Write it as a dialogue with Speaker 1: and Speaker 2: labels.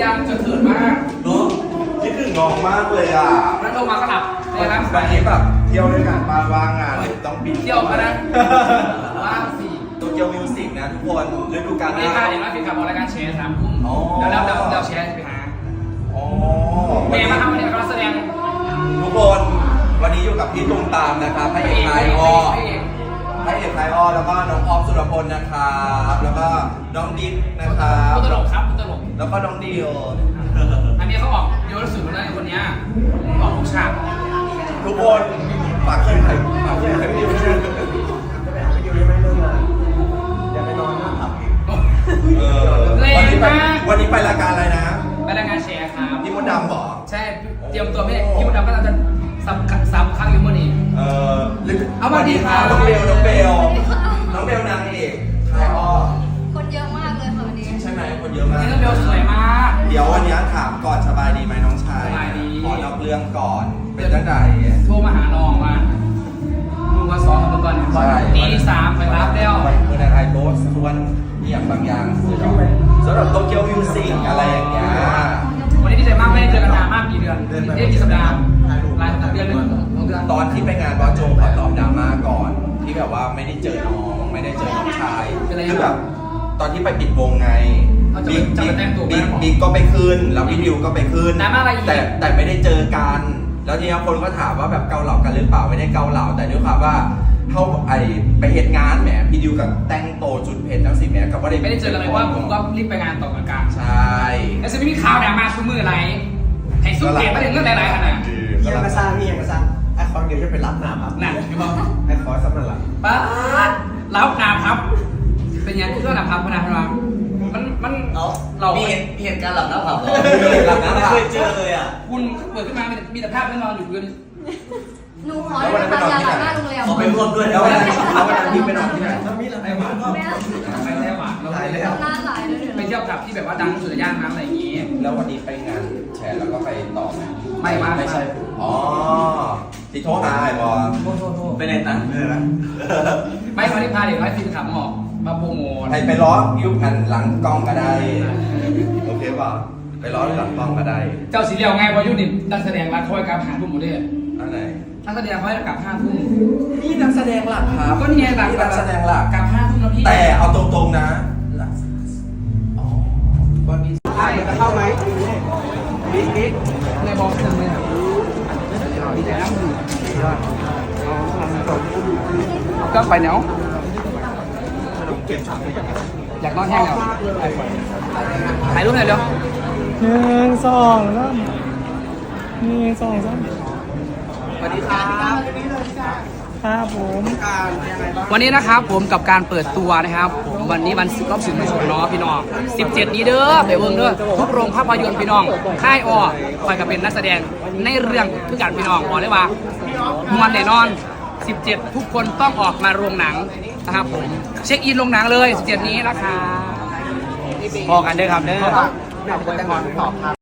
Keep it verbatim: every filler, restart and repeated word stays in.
Speaker 1: ยังจะเขินมาก
Speaker 2: เนาะคิดถึงน้องมากเลยอ่ะ
Speaker 1: นั่นโทรมาก็หลับในร้าน
Speaker 2: วันนี้แบบเที่ยวด้วยกันบ้านว่างงานต้องบิน
Speaker 1: เที่ยวกันนะว่างสี่
Speaker 2: โตเกียวมิวสิกนะทุกคนฤดูกาลห
Speaker 1: ไม่
Speaker 2: น้า
Speaker 1: ค่าเดี๋ยวเราไปขับรายการแชร์สามทุ่มแล้วแล้วเราเราแชร์ไปหา
Speaker 2: อ๋อ
Speaker 1: เมย์มาทำวันนี้เราแสดง
Speaker 2: ทุกคนวันนี้อยู่กับพี่ตุงตามนะครับพระเอกไทยอ้อพระเอกไทยอ้อแล้วก็น้องออฟสุรพลนะครับแล้วก็น้องดิ๊กนะครับ
Speaker 1: ผู้ตลกครับผู้ตลก
Speaker 2: แล้วก็น้องดิว
Speaker 1: อันนี้เขาออกเยอะสุดเลยคนนี้ออกทุกฉาก
Speaker 2: ทุกคนฝากชื่อใครฝากชื่อใครดิวชื่อ
Speaker 3: จะไปหาไปดิวได้ไหมเรื่องงานอย่าไปนอนหน้าผับอีก
Speaker 2: เออวันนี้ไปวันนี้ไปรายการอะไรนะ
Speaker 1: ไปรายการแชร์ครับ
Speaker 2: พี่มดดำบอก
Speaker 1: ใช่เตรียมตัวไม่พี่มดดำก็จะซ้ำซ้ำครั้งอยู่เมื่อนี้
Speaker 2: เออ
Speaker 1: เอามาดีค่ะ
Speaker 2: น้องเบลน้องเบลน้องเบลนางเอกไทยอ้อ
Speaker 4: คนเยอะมากเลยค่ะวันนี้
Speaker 2: ใช่ไหมคนเยอะมาก
Speaker 1: นี่น้องเบลสวยมาก
Speaker 2: เดี๋ยววันนี้ถามก่อนสบายดีไหมน้องชาย
Speaker 1: สบายดี
Speaker 2: ขอนอกเรื่องก่อนเป็นจังได
Speaker 1: โทรมาหาน้องว่ามึงมาซ้อมกับก่อนตีสามไปรับแล้ว
Speaker 2: เมื่อไทยโพสต์ทวนอย่างบางอย่างสำหรับโตเกียวมิวสิกอะไรอย่างเงี้ย
Speaker 1: วันนี้ดีใจมากไม่ได้เจอกันนานมากกี่เดือนเอ๊ะกี่สัปดาห์หลายสัปดาห์เดือนหนึ่งเดือน
Speaker 2: ตอนที่ไปงานบอสโจขอตอบดราม่าก่อน ที่แบบว่าไม่ได้เจอน้องไม่ได้เจอน้องชายคือแบบตอนที่ไปปิดวงไงบิ๊กบิ๊กบิ๊กบิ๊กก็ไปขึ้นแล้วพี่ดิวก็ไปขึ้นแต่แต่ไม่ได้เจอกัน แล้วทีนี้คนก็ถามว่าแบบเกาเหลากันหรือเปล่าไม่ได้เกาเหลาแต่ด้วยความว่าเขาไอไปเหตุงานแหมพี่ดิวกับแต่งโตจุดเพชรทั้งสี่แหมกับว่า
Speaker 1: ไม่ได้เจอกันเลยว่าผมก็รีบไปงานต่อกัน
Speaker 2: ใช่
Speaker 1: แล้วจะไม่มีข่าวดราม่าซุ้มมืออะไรให้ซุ้มเกตมาถึงเรื่องหลายๆขนาด
Speaker 3: เยี่ยมมาสร้างนี่ยังมาสร้างไอ้คอนเดียวจะไปรับหน้าครับ
Speaker 1: หนักอยู่บ้าง
Speaker 3: ไอ้คอนสำนักหลัก
Speaker 1: ป้ารับนาพับเป็นยังเรื่องนาพับพนันมามันมันเรา
Speaker 5: มีเห็นเห็นการหลับน้ำผับเหรอ
Speaker 2: หลับนะ
Speaker 5: ไม่เคยเจอเลยอ่ะ
Speaker 1: คุณเปิดขึ้นมามีแต่ภาพที่นอนอยู่พื้น
Speaker 4: หนูขอให้ไปทำยาหลังหน้าโรงแรม
Speaker 5: ขอไปร่วมด้วย
Speaker 2: แล้ววันนั้นแล้ววันนั้นพี่ไปนอนที่ไหน
Speaker 3: แล้วมีอะไรบ้าง
Speaker 4: แม่
Speaker 1: ไปแท้หวานเรา
Speaker 3: ตาย
Speaker 1: ไป
Speaker 3: แล้ว
Speaker 4: หน้าหลายเลย
Speaker 1: ไปเที่ยวกับที่แบบว่าดังสุดในย่านน้ำอะไรอย่างงี้
Speaker 2: แล้ววันนี้ไปงานแชร์แล้วก็ไปต่อไหม
Speaker 1: ไม่มา
Speaker 2: ไม่ใช่อ๋อที่โทรหาไอ้บอล
Speaker 1: โทษโทษโทษ
Speaker 5: ไปในตันเลยนะ
Speaker 1: ไม่มาที่พาเด็กน้อยฟินขับออกมาโปรโมท
Speaker 2: ให้ไปล้อยุคหันหลังกล้องก็ได้ โอเคป่ะไปล้อหลังกล้องก็ได้
Speaker 1: เจ้าสีเหลียวไงพอยุนินักแสดงรักคอยกับหาทุ่มหมดเลย
Speaker 2: อันไหน
Speaker 1: นักแสดงเขาให้กลับห้าทุ่ม
Speaker 2: นี่นักแสดงหลักครับ
Speaker 1: ก็นี่ไงหลัก
Speaker 2: นี่นักแสดงหลัก
Speaker 1: กลับห้าทุ่มแล้วพี่
Speaker 2: แต่เอาตรงๆนะอ๋อวันนี้
Speaker 1: ใช่
Speaker 3: จะเข้าไหมบิ๊กบิ๊ก
Speaker 1: ในบอลเต็มเลยอ่ะดีใจนะมึงก็ไปเนาะอยากนอนแห้งแล้วถ่ายรูปหน่อยเร็ว
Speaker 3: หนึ่งสองสามหนึ่งสองสาม
Speaker 1: สวัสดีครับ
Speaker 3: ครับผม
Speaker 1: วันนี้นะครับผมกับการเปิดตัวนะครับผมวันนี้วันรอบสื่อมวลชนเนาะพี่น้องสิบเจ็ดนี้เด้อไปเบิ่งเด้อทุกโรงภาพยนตร์พี่น้องค่ายออคอยกับเป็นนักแสดงในเรื่องคือการพี่น้องบอกเลยว่ามวนแน่นอนสิบเจ็ดทุกคนต้องออกมาโรงหนังนะครับผมเช็คอินโรงหนังเลยสิบเจ็ดนี้นะคะ
Speaker 3: พอกันเด้อครับเด้อ